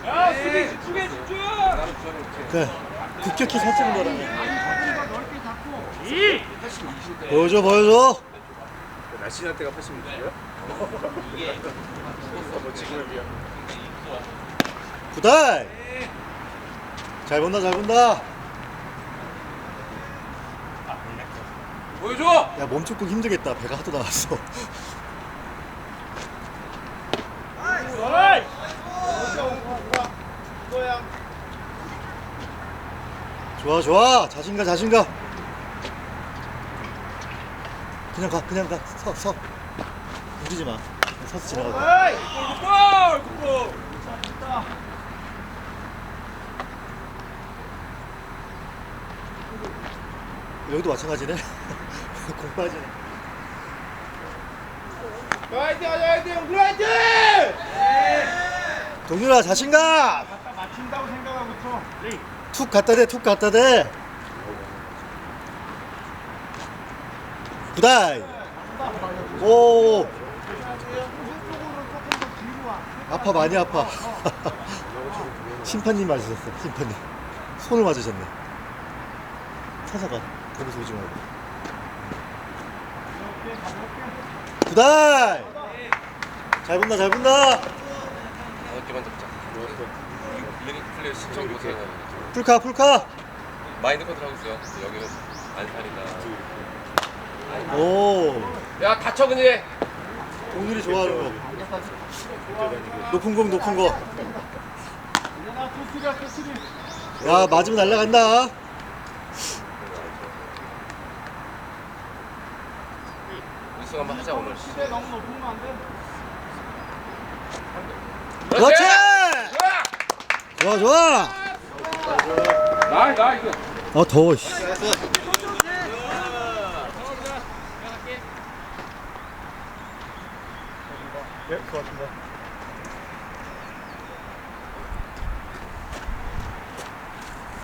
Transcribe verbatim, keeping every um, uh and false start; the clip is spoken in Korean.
야, 수비 집중해, 집중! 그래 급격히 살찌는 거라네. 보여줘 보여줘. 날씬할 때가 팔십육이야? 뭐 지금은 비야. 굿다이. 잘 본다 잘 본다. 보여줘! 야 몸축구 힘들겠다. 배가 하도 나왔어. 좋아 좋아 자신감 자신감. 그냥 가 그냥 가서서 움직이지 마. 그냥 서서 지나가. 굿볼! 굿볼! 여기도 마찬가지네. 공 빠지네. 화이팅 하자, 화이팅! 우리 화이팅! 동준아 자신감. 맞춘다고 생각하고 쳐. 툭 갖다 대 툭 갖다 대. 굿다이. 오. 아파 많이 아파. 심판님 맞으셨어. 심판님 손을 맞으셨네. 사사가 거기서 오지 말고. 굿다이. 잘 본다 잘 본다. 다섯 개만 잡자. 리그 플레이 신청 교사 풀카 풀카. 마인드 컨트롤 하고 있어요. 여기는 안 사니까. 오. 야, 다쳐, 그니! 동률이 좋아하는 거. 높은 공 높은 거. 야 맞으면 날라간다. 우승 한번 하자 오늘. 너무 높으면 안 돼. 그렇지. 좋아 좋아. 나, 나, 이거. 아 더워. 씨. 예, 고맙습니다.